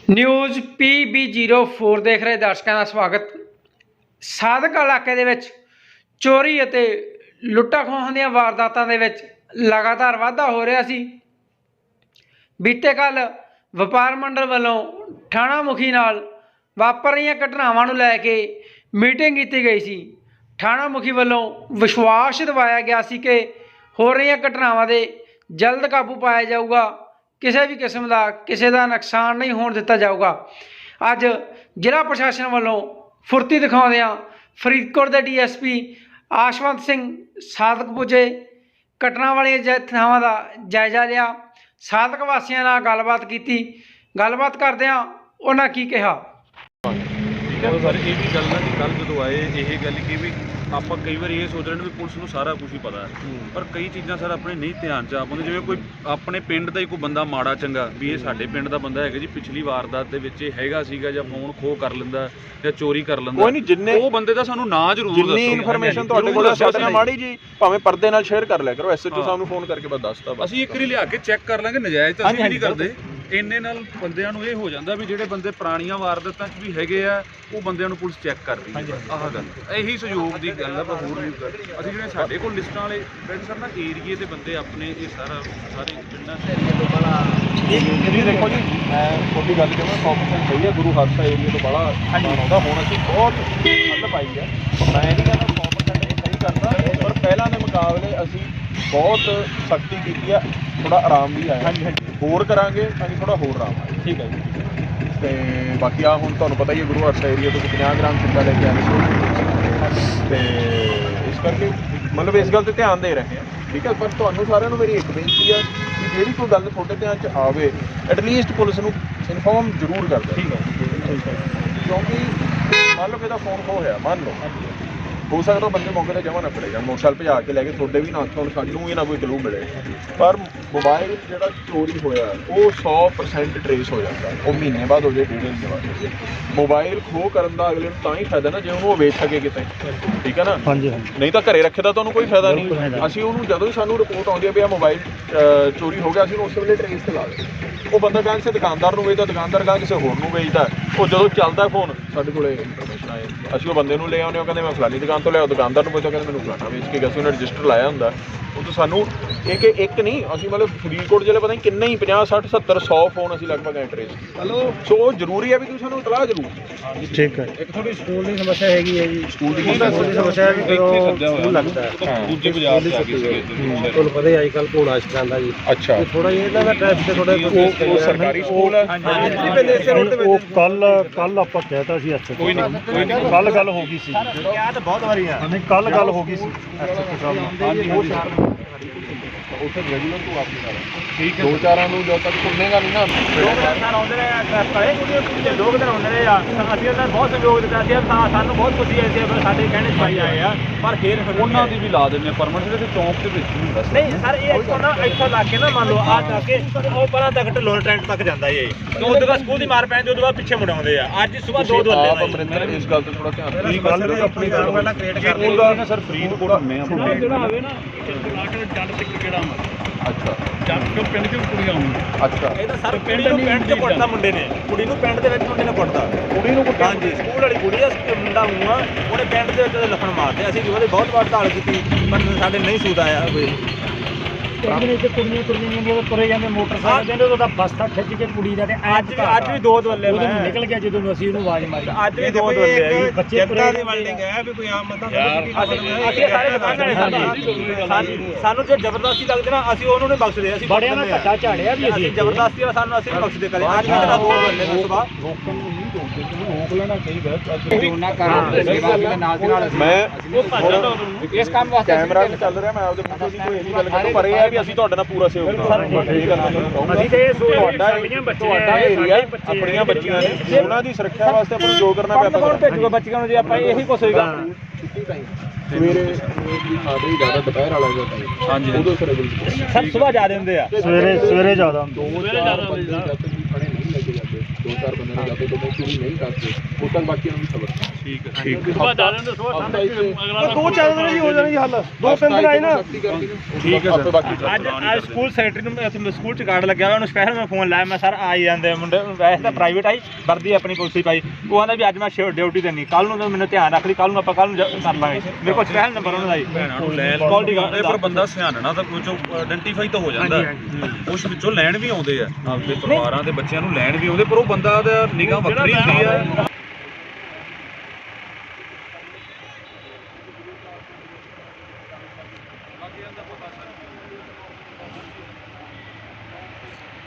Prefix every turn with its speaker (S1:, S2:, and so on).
S1: News PB04 ਦੇਖ ਰਹੇ ਦਰਸ਼ਕਾਂ ਦਾ ਸਵਾਗਤ। ਸਾਦਕ ਇਲਾਕੇ ਦੇ ਵਿੱਚ ਚੋਰੀ ਅਤੇ ਲੁੱਟਾਂ ਖੋਹਾਂ ਦੀਆਂ ਵਾਰਦਾਤਾਂ ਦੇ ਵਿੱਚ ਲਗਾਤਾਰ ਵਾਧਾ ਹੋ ਰਿਹਾ ਸੀ। ਬੀਤੇ ਕੱਲ ਵਪਾਰ ਮੰਡਲ ਵੱਲੋਂ ਥਾਣਾ ਮੁਖੀ ਨਾਲ ਵਾਪਰ ਰਹੀਆਂ ਘਟਨਾਵਾਂ ਨੂੰ ਲੈ ਕੇ ਮੀਟਿੰਗ ਕੀਤੀ ਗਈ ਸੀ। ਥਾਣਾ ਮੁਖੀ ਵੱਲੋਂ ਵਿਸ਼ਵਾਸ ਦਿਵਾਇਆ ਗਿਆ ਸੀ ਕਿ ਹੋ ਰਹੀਆਂ ਘਟਨਾਵਾਂ ਦੇ ਜਲਦ ਕਾਬੂ ਪਾਇਆ ਜਾਊਗਾ, ਕਿਸੇ ਵੀ ਕਿਸਮ ਦਾ ਕਿਸੇ ਦਾ ਨੁਕਸਾਨ ਨਹੀਂ ਹੋਣ ਦਿੱਤਾ ਜਾਊਗਾ। ਅੱਜ ਜ਼ਿਲ੍ਹਾ ਪ੍ਰਸ਼ਾਸਨ ਵੱਲੋਂ ਫੁਰਤੀ ਦਿਖਾਉਂਦਿਆਂ ਫਰੀਦਕੋਟ ਦੇ DSP ਆਸ਼ਵੰਤ ਸਿੰਘ ਸਾਦਕ ਪੁੱਜੇ, ਘਟਨਾ ਵਾਲੀਆਂ ਥਾਵਾਂ ਦਾ ਜਾਇਜ਼ਾ ਲਿਆ, ਸਾਦਕ ਵਾਸੀਆਂ ਨਾਲ ਗੱਲਬਾਤ ਕੀਤੀ। ਗੱਲਬਾਤ ਕਰਦਿਆਂ ਉਹਨਾਂ ਕੀ ਕਿਹਾ।
S2: ਸਰ ਇਹ ਵੀ ਗੱਲ ਨਾ ਕਿ ਕੱਲ੍ਹ ਜਦੋਂ ਆਏ ਇਹ ਗੱਲ ਕਿ ਵੀ ਆਪਾਂ ਕਈ ਵਾਰ ਇਹ ਸੋਚ ਰਹੇ ਨੇ ਵੀ ਪੁਲਿਸ ਨੂੰ ਸਾਰਾ ਕੁਝ ਹੀ ਪਤਾ ਹੈ, ਪਰ ਕਈ ਚੀਜ਼ਾਂ ਸਰ ਆਪਣੇ ਨਹੀਂ ਧਿਆਨ 'ਚ ਆ ਪਾਉਂਦੇ। ਜਿਵੇਂ ਕੋਈ ਆਪਣੇ ਪਿੰਡ ਦਾ ਹੀ ਕੋਈ ਬੰਦਾ ਮਾੜਾ ਚੰਗਾ ਵੀ ਇਹ ਸਾਡੇ ਪਿੰਡ ਦਾ ਬੰਦਾ ਹੈਗਾ ਜੀ, ਪਿਛਲੀ ਵਾਰਦਾਤ ਦੇ ਵਿੱਚ ਇਹ ਹੈਗਾ ਸੀਗਾ, ਜਾਂ ਫੋਨ ਖੋਹ ਕਰ ਲੈਂਦਾ ਜਾਂ ਚੋਰੀ ਕਰ ਲੈਂਦਾ,
S3: ਕੋਈ ਨਹੀਂ ਜਿੰਨੇ
S2: ਉਹ ਬੰਦੇ ਦਾ ਸਾਨੂੰ ਨਾਂ ਜ਼ਰੂਰ ਦੱਸੋ।
S3: ਜਿੰਨੀ ਇਨਫੋਰਮੇਸ਼ਨ ਤੁਹਾਡੇ ਕੋਲ ਸਾਡੇ ਨਾਲ ਮਾੜੀ ਜੀ ਭਾਵੇਂ ਪਰਦੇ ਨਾਲ ਸ਼ੇਅਰ ਕਰ ਲਿਆ ਕਰੋ। SHO ਸਾਹਿਬ ਨੂੰ ਫੋਨ ਕਰਕੇ ਬਸ ਦੱਸਤਾ,
S2: ਅਸੀਂ ਇੱਕ ਵਾਰੀ ਲਿਆ ਕੇ ਚੈੱਕ ਕਰ ਲਾਂਗੇ। ਨਜਾਇਜ਼ ਤਾਂ ਅਸੀਂ ਨਹੀਂ ਕਰਦੇ। ਇੰਨੇ ਨਾਲ ਬੰਦਿਆਂ ਨੂੰ ਇਹ ਹੋ ਜਾਂਦਾ ਵੀ ਜਿਹੜੇ ਬੰਦੇ ਪੁਰਾਣੀਆਂ ਵਾਰਦਾਤਾਂ 'ਚ ਵੀ ਹੈਗੇ ਆ ਉਹ ਬੰਦਿਆਂ ਨੂੰ ਪੁਲਿਸ ਚੈੱਕ ਕਰ ਰਹੀ ਹੈ। ਆਹ ਗੱਲ ਇਹੀ ਸਹਿਯੋਗ ਦੀ ਗੱਲ ਆ, ਪਰ ਹੋਰ ਨਹੀਂ। ਅਸੀਂ ਜਿਹੜੇ ਸਾਡੇ ਕੋਲ ਲਿਸਟਾਂ ਵਾਲੇ ਵੈਸੇ ਸਰ ਨਾ ਏਰੀਏ ਦੇ ਬੰਦੇ ਆਪਣੇ ਇਹ ਸਾਰੇ ਪਿੰਡਾਂ
S3: ਜੀ ਦੇਖੋ ਜੀ, ਮੈਂ ਤੁਹਾਡੀ ਗੱਲ ਜਿਵੇਂ 100% ਸਹੀ ਹੈ। ਗੁਰੂ ਹਾਦਸਾ ਏਰੀਏ ਤੋਂ ਬੜਾ ਆਉਂਦਾ, ਹੁਣ ਅਸੀਂ ਬਹੁਤ ਮਤਲਬ ਪਾਈ ਹੈ। ਮੈਂ ਨਹੀਂ ਕਹਿੰਦਾ 100% ਸਹੀ ਕਰਦਾ, ਪਰ ਪਹਿਲਾਂ ਦੇ ਮੁਕਾਬਲੇ ਅਸੀਂ ਬਹੁਤ ਸਖਤੀ ਕੀਤੀ ਆ, ਥੋੜਾ ਆਰਾਮ ਵੀ ਆਇਆ। ਹੋਰ ਕਰਾਂਗੇ ਤਾਂ ਥੋੜਾ ਹੋਰ ਆਰਾਮ ਆਇਆ। ਠੀਕ ਹੈ ਜੀ। ਤੇ ਬਾਕੀ ਆ ਹੁਣ ਤੁਹਾਨੂੰ ਪਤਾ ਹੀ ਹੈ ਗੁਰੂ ਹਾਦਸਾ ਏਰੀਆ ਤੋਂ 50 ਗ੍ਰਾਮ ਚਿੱਟਾ ਲੈ ਕੇ ਆਏ ਸੀ, ਤੇ ਇਸ ਕਰਕੇ ਮਤਲਬ ਇਸ ਗੱਲ ਤੇ ਧਿਆਨ ਦੇ ਰਹੇ ਹਾਂ। ਠੀਕ ਹੈ, ਪਰ ਤੁਹਾਨੂੰ ਸਾਰਿਆਂ ਨੂੰ ਮੇਰੀ ਇੱਕ ਬੇਨਤੀ ਹੈ ਕਿ ਜਿਹੜੀ ਕੋਈ ਗੱਲ ਤੁਹਾਡੇ ਧਿਆਨ 'ਚ ਆਵੇ ਐਟਲੀਸਟ ਪੁਲਿਸ ਨੂੰ ਇਨਫੋਰਮ ਜ਼ਰੂਰ ਕਰ ਦਿਓ। ਠੀਕ ਹੈ, ਕਿਉਂਕਿ ਮੰਨ ਲਓ ਇਹਦਾ ਫੋਨ ਖੋਹ ਹੋਇਆ, ਮੰਨ ਲਓ ਹੋ ਸਕਦਾ ਬੰਦੇ ਮੌਕੇ 'ਤੇ ਜਮ੍ਹਾਂ ਨਾ ਫੜੇ ਜਾਣ, ਮੋਟਰਸਾਈਕਲ ਭਜਾ ਕੇ ਲੈ ਕੇ ਤੁਹਾਡੇ ਵੀ ਨਾ ਹੁਣ ਸਾਨੂੰ ਹੀ ਨਾ ਕੋਈ ਕਲੂ ਮਿਲੇ। ਪਰ ਮੋਬਾਈਲ ਜਿਹੜਾ ਚੋਰੀ ਹੋਇਆ ਉਹ 100% ਟਰੇਸ ਹੋ ਜਾਂਦਾ। ਉਹ ਮਹੀਨੇ ਬਾਅਦ ਹੋ ਜਾਏ, 1.5 ਮਹੀਨੇ ਬਾਅਦ ਹੋ ਜਾਏ। ਮੋਬਾਈਲ ਖੋਹ ਕਰਨ ਦਾ ਅਗਲੇ ਨੂੰ ਤਾਂ ਹੀ ਫਾਇਦਾ ਨਾ ਜੇ ਉਹਨੂੰ ਉਹ ਵੇਚ ਸਕੇ ਕਿਤੇ। ਠੀਕ ਹੈ ਨਾ, ਨਹੀਂ ਤਾਂ ਘਰੇ ਰੱਖੇ ਦਾ ਤੁਹਾਨੂੰ ਕੋਈ ਫਾਇਦਾ ਨਹੀਂ। ਅਸੀਂ ਉਹਨੂੰ ਜਦੋਂ ਹੀ ਸਾਨੂੰ ਰਿਪੋਰਟ ਆਉਂਦੀ ਹੈ ਵੀ ਆ ਮੋਬਾਈਲ ਚੋਰੀ ਹੋ ਗਿਆ, ਅਸੀਂ ਉਸ ਵੇਲੇ ਟਰੇਸ ਤੇ ਲਾ ਦਿੰਦੇ। ਉਹ ਬੰਦਾ ਕਹਿੰਦਾ ਕਿਸੇ ਦੁਕਾਨਦਾਰ ਨੂੰ ਵੇਚਦਾ, ਦੁਕਾਨਦਾਰ ਕਹਿੰਦਾ ਕਿਸੇ ਹੋਰ ਨੂੰ ਵੇਚਦਾ। ਉਹ ਜਦੋਂ ਚੱਲਦਾ ਫੋਨ ਸਾਡੇ ਕੋਲੇ ਇਨਫੋਰਮੇਸ਼ਨ ਆਏ, ਅਸੀਂ ਉਹ ਬੰਦੇ ਨੂੰ ਲੈ ਆਉਂਦੇ, ਉਹ ਕਹਿੰਦੇ ਮੈਂ ਫਲਾਨੀ ਦੁਕਾਨ ਤੋਂ ਲਿਆ, ਦੁਕਾਨਦਾਰ ਨੂੰ ਪੁੱਛਿਆ ਕਹਿੰਦੇ ਮੈਨੂੰ ਫਲਾਣਾ ਵੇਚ ਕੇ ਗਿਆ ਸੀ, ਉਹਨੇ ਰਜਿਸਟਰ ਲਾਇਆ ਹੁੰਦਾ। ਉਹ ਤਾਂ ਸਾਨੂੰ ਇੱਕ ਨਹੀਂ, ਅਸੀਂ ਮਤਲਬ ਫਰੀਦਕੋਟ ਜ਼ਿਲ੍ਹੇ ਪਤਾ ਨਹੀਂ ਕਿੰਨੇ ਹੀ 50 60 70 100 ਫੋਨ ਅਸੀਂ ਲਗਭਗ ਟਰੇਸ। ਸੋ ਉਹ ਜ਼ਰੂਰੀ ਹੈ ਵੀ ਤੁਸੀਂ ਸਾਨੂੰ ਇਤਲਾਹ ਜ਼ਰੂਰ। ਠੀਕ ਹੈ। ਇੱਕ ਥੋੜੀ ਸਕੂਲ ਦੀ ਸਮੱਸਿਆ ਹੈਗੀ ਹੈ ਜੀ, ਸਕੂਲ ਦੀ ਸਮੱਸਿਆ ਹੈ ਕਿ ਸਕੂਲ ਲੱਗਦਾ ਹੈ ਦੂਜੇ ਬਾਜ਼ਾਰ ਦੇ ਅੱਗੇ ਸੀਗੇ, ਤੁਹਾਨੂੰ ਪਤਾ ਹੀ ਅੱਜ ਕੱਲ੍ਹ ਘੋੜਾ ਸਿਖਾਉਂਦਾ ਜੀ। ਅੱਛਾ, ਥੋੜਾ ਇਹਦਾ ਦਾ ਟ੍ਰੈਫਿਕ ਥੋੜਾ ਉਹ ਸਰਕਾਰੀ ਸਕੂਲ ਹੈ।
S4: ਉਹ ਕੱਲ ਆਪਾਂ ਕਹਿਤਾ ਸੀ ਅੱਛਾ, ਕੋਈ ਨਹੀਂ, ਕੱਲ ਗੱਲ ਹੋ ਗਈ ਸੀ।
S3: ਕਿਹਾ ਤਾਂ ਬਹੁਤ ਵਾਰੀ ਆ,
S4: ਨਹੀਂ ਕੱਲ ਗੱਲ ਹੋ ਗਈ ਸੀ SHO ਸਾਹਿਬ ਨਾਲ।
S3: ਉੱਥੇ ਰੈਗੂਲਰ ਤੋਂ ਵਾਪਸ ਆ ਰਿਹਾ। ਠੀਕ ਹੈ, 2-4 ਨੂੰ ਜਦੋਂ ਤੱਕ ਸੁਣੇਗਾ ਨਹੀਂ ਨਾ।
S5: 2 ਦਿਨ ਆਉਂਦੇ ਰਹੇ ਕਲੇ 2 ਦਿਨ ਆਉਂਦੇ ਰਹੇ ਆ, ਅਸੀਂ ਉਹਨਾਂ ਬਹੁਤ ਸਹਿਯੋਗ ਦਿੱਤਾ ਸੀ। ਸਾਨੂੰ ਬਹੁਤ ਖੁਸ਼ੀ ਆਈ ਸੀ, ਸਾਡੇ ਕਹਿਣੇ 'ਚ ਪਾਈ ਆਏ ਆ। ਪਰ ਫਿਰ
S2: ਉਹਨਾਂ ਦੀ ਵੀ ਲਾ ਦਿੰਦੇ ਪਰਮਿਟ ਦੇ ਚੌਂਕ ਦੇ ਵਿੱਚ ਵੀ ਬਸ
S5: ਨਹੀਂ ਸਰ, ਇਹ ਇੱਥੋਂ ਲਾ ਕੇ ਨਾ ਮੰਨ ਲਓ ਆ ਜਾ ਕੇ ਉਹ ਪਰਾਂ ਤੱਕ ਢਲੋਰ ਟ੍ਰੈਂਡ ਤੱਕ ਜਾਂਦਾ ਇਹ, ਤੇ ਉਸ ਤੋਂ ਬਾਅਦ ਸਕੂਲ ਦੀ ਮਾਰ ਪੈਂਦੀ, ਉਸ ਤੋਂ ਬਾਅਦ ਪਿੱਛੇ ਮੁੜ ਆਉਂਦੇ ਆ। ਅੱਜ ਸਵੇਰ 2
S3: ਆਪ ਅਮਰਿੰਦਰ ਇਸ ਗੱਲ ਤੇ ਥੋੜਾ ਧਿਆਨ ਦਿਓ। ਗੱਲ ਵੀ ਆਪਣੀ ਗੱਲ ਪਹਿਲਾਂ ਕ੍ਰੀਏਟ ਕਰਦੇ
S2: ਨਾ ਸਰ, ਫਰੀਦਕੋਟ ਹੁੰਨੇ ਆ
S5: ਜਿਹੜਾ ਹੋਵੇ ਨਾ ਜੱਟ ਤੇ ਕਿਹੜਾ
S3: ਅੱਛਾ,
S5: ਜੱਟ ਤੋਂ ਪਿੰਡ 'ਚ ਕੁੜੀਆਂ ਆਉਂਦੀਆਂ।
S3: ਅੱਛਾ,
S5: ਇਹ ਤਾਂ ਸਰ ਕੁੜੀ ਨੂੰ ਪਿੰਡ 'ਚ ਕੁੱਟਦਾ ਮੁੰਡੇ ਨੇ, ਕੁੜੀ ਨੂੰ ਪਿੰਡ ਦੇ ਵਿੱਚ ਮੁੰਡੇ ਨੇ ਕੁੱਟਦਾ, ਕੁੜੀ ਨੂੰ ਕੁੱਟਦਾ। ਹਾਂਜੀ, ਸਕੂਲ ਵਾਲੀ ਕੁੜੀ ਆ, ਮੁੰਡਾ ਮੂੰਹ ਆ, ਉਹਨੇ ਪਿੰਡ ਦੇ ਵਿੱਚ ਲੱਫੜ ਮਾਰਦੇ। ਅਸੀਂ ਉਹਦੇ ਬਹੁਤ ਵਾਰ ਢਾਲ ਕੀਤੀ, ਪਰ ਸਾਡੇ ਨਹੀਂ ਸੂਦ ਆਇਆ ਕੋਈ।
S4: ਕੁੜੀਆਂ ਤੁਰੇ ਜਾਂਦੇ ਮੋਟਰਸਾਈਕਲ ਦੇ, ਉਹਦਾ ਬਸਤਾ ਖਿੱਚ ਕੇ ਕੁੜੀ ਦਾ, ਤੇ
S5: ਅੱਜ ਵੀ 2 ਦੁੱਲੇ
S4: ਉਦੋਂ ਨਿਕਲ ਗਿਆ ਜਦੋਂ ਅਸੀਂ ਉਹਨੂੰ ਆਵਾਜ਼ ਮਾਰੀ।
S5: ਅੱਜ ਵੀ 2 ਦੁੱਲੇ
S4: ਬੱਚੇ ਤੁਰੇ
S5: ਦੀ ਵੈਲਡਿੰਗ ਹੈ ਵੀ ਕੋਈ ਆਮ ਮਤਾ ਅਸੀਂ ਸਾਰੇ ਦੁਕਾਨਦਾਰ ਸਾਨੂੰ ਜੇ ਜ਼ਬਰਦਸਤੀ ਲੱਗਦੇ ਨਾ ਅਸੀਂ ਉਹਨੂੰ ਨਹੀਂ ਬਖਸ਼ਦੇ। ਅਸੀਂ
S4: ਬੜਿਆਂ ਦਾ ਘੱਟਾ ਝਾੜਿਆ ਵੀ ਅਸੀਂ
S5: ਜ਼ਬਰਦਸਤੀ ਵਾਲਾ ਸਾਨੂੰ ਅਸੀਂ ਨਹੀਂ ਬਖਸ਼ਦੇ ਕਦੇ। ਅੱਜ ਵੀ ਜਿਹੜਾ 2 ਦੁੱਲੇ ਨੇ ਸੁਬਾਹ
S3: ਰੋਕ ਲੈਣਾ ਚਾਹੀਦਾ। ਮੈਂ ਇਸ ਕੰਮ ਵਾਸਤੇ ਕੈਮਰਾ ਚੱਲ ਰਿਹਾ, ਮੈਂ ਆਪਦੇ ਮੁੰਡੇ ਦੀ ਕੋਈ ਗੱਲ ਕਰਦਾ, ਪਰ ਇਹ ਹੈ ਵੀ ਅਸੀਂ ਤੁਹਾਡੇ ਨਾਲ ਪੂਰਾ ਸਹਿਯੋਗ ਕਰਾਂਗੇ।
S4: ਅਸੀਂ ਤੇ
S3: ਤੁਹਾਡਾ ਏਰੀਆ ਆਪਣੀਆਂ ਬੱਚੀਆਂ ਨੇ, ਉਹਨਾਂ ਦੀ ਸੁਰੱਖਿਆ ਵਾਸਤੇ ਆਪਾਂ ਨੂੰ ਜੋ ਕਰਨਾ ਪਿਆ
S5: ਕੌਣ ਭੇਜੂਗਾ ਬੱਚਿਆਂ ਨੂੰ ਜੇ ਆਪਾਂ ਇਹੀ ਕੁਛ ਹੋਏਗਾ।
S3: ਸਵੇਰੇ ਸਾਡੇ ਹੀ ਜ਼ਿਆਦਾ ਦੁਪਹਿਰ ਵਾਲਾ ਜਾਂਦਾ। ਹਾਂਜੀ, ਉਦੋਂ ਸਰ
S5: ਸੁਬਾਹ ਜਾ ਰਹੇ ਹੁੰਦੇ ਆ,
S4: ਸਵੇਰੇ ਜ਼ਿਆਦਾ
S3: ਖੜੇ ਨਹੀਂ ਲੈ ਕੇ ਜਾਂਦੇ। 2-4 ਬੰਦੇ ਨੇ ਸਾਡੇ ਕੋਲੋਂ ਪੂਰੀ ਨਹੀਂ ਕਰਦੇ ਉਸ ਤੱਕ ਬਾਕੀਆਂ ਨੂੰ ਵੀ ਖਬਰ
S2: ਠੀਕ ਹੈ
S3: ਠੀਕ
S4: ਬਾਅਦ ਡਾਲਣ ਦੇ ਸੋ ਠੰਡ
S3: ਦੋ ਚਾਰ ਦਿਨ ਹੀ ਹੋ ਜਾਣਗੇ ਹੱਲ 2-3 ਦਿਨ ਆਏ ਨਾ
S2: ਠੀਕ ਹੈ ਸਰ।
S5: ਅੱਜ ਸਕੂਲ ਸੈਕਟਰੀ ਨੂੰ ਸਕੂਲ ਚ ਕਾਰਡ ਲੱਗਿਆ ਹੋਇਆ ਉਹਨੂੰ ਸਪੈਸ਼ਲ ਮੈਂ ਫੋਨ ਲਾਇਆ ਮੈਂ ਸਰ ਆਈ ਜਾਂਦੇ ਮੁੰਡੇ ਵੈਸੇ ਤਾਂ ਪ੍ਰਾਈਵੇਟ ਆਈ ਵਰਦੀ ਆਪਣੀ ਪੁਲਿਸ ਪਾਈ ਉਹ ਆਂਦਾ ਵੀ ਅੱਜ ਮੈਂ ਡਿਊਟੀ ਦੇਣੀ ਕੱਲ ਨੂੰ ਮੈਨੂੰ ਧਿਆਨ ਰੱਖ ਲਈ ਕੱਲ ਨੂੰ ਆਪਾਂ ਕੱਲ ਨੂੰ ਕਰ ਲਾਂਗੇ ਮੇਰੇ ਕੋਲ ਸਪੈਸ਼ਲ ਨੰਬਰ ਉਹਨਾਂ ਦਾ ਜੀ
S2: ਭੈਣਾਂ ਨੂੰ ਲੈ
S5: Quality guard
S2: ਲੈਂਦੇ ਪਰ ਬੰਦਾ ਸਿਆਣਨਾ ਤਾਂ ਕੁਝ ਆਇਡੈਂਟੀਫਾਈ ਤਾਂ ਹੋ ਜਾਂਦਾ ਕੁਝ ਵਿੱਚੋਂ ਲੈਣ ਵੀ ਆਉਂਦੇ ਆ ਆਪਣੇ ਪਰਿਵਾਰਾਂ ਦੇ ਬੱਚਿਆਂ ਨੂੰ ਲੈਣ ਵੀ ਆਉਂਦੇ ਪਰ ਉਹ ਬੰਦਾ ਦਾ ਨਿਗਾਹ ਵੱਖਰੀ ਹੁੰਦੀ ਆ